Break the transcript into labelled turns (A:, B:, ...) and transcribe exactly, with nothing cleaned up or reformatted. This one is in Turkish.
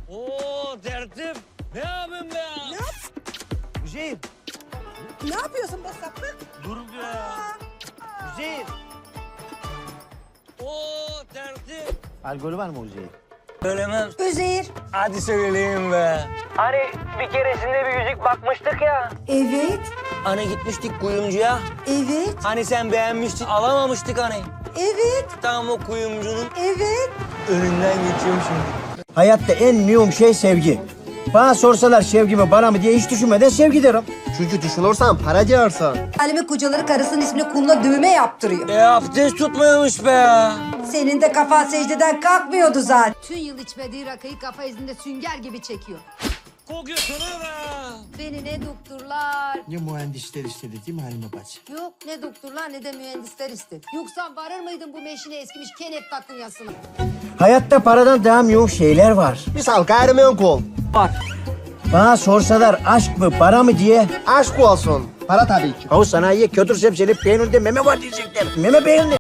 A: Oo tertip. Ne yapayım be ya?
B: Ne yap?
A: Hüseyin.
B: Ne yapıyorsun be sapık?
A: Dur be ya. Hüseyin. Oo tertip.
C: Alkolü var mı Hüseyin?
A: Söylemem.
B: Üzeyir.
A: Hadi söyleyeyim be. Hani bir keresinde bir yüzük bakmıştık ya.
B: Evet.
A: Hani gitmiştik kuyumcuya.
B: Evet.
A: Hani sen beğenmiştin alamamıştık hani.
B: Evet.
A: Tam o kuyumcunun
B: Evet.
A: önünden geçiyorum şimdi.
C: Hayatta en mühim şey sevgi. Bana sorsalar sevgi mi bana mı diye hiç düşünmeden sevgi derim. Çünkü düşünürsen para diyorsun.
B: Halime kocaları karısının ismini kuluna düğme yaptırıyor.
A: E abdest tutmuyormuş be ya.
B: Senin de kafan secdeden kalkmıyordu zaten.
D: Tüm yıl içmediği rakıyı kafa izinde sünger gibi çekiyor.
A: Kokuyorsun be.
D: Beni ne doktorlar,
C: Ne mühendisler istedi değil mi Halime bacı?
D: yok ne doktorlar ne de mühendisler istedi. Yoksa varır mıydın bu meşine eskimiş kenep takunyasına?
C: Hayatta paradan daha mühim şeyler var.
E: Misal gayrimenkul.
A: Bak.
C: Bana sorsalar aşk mı para mı diye.
E: Aşk olsun. Para tabii ki.
C: Havu sanayiye kötür sebzeli peynirde meme var diyecekler. Meme peyniri.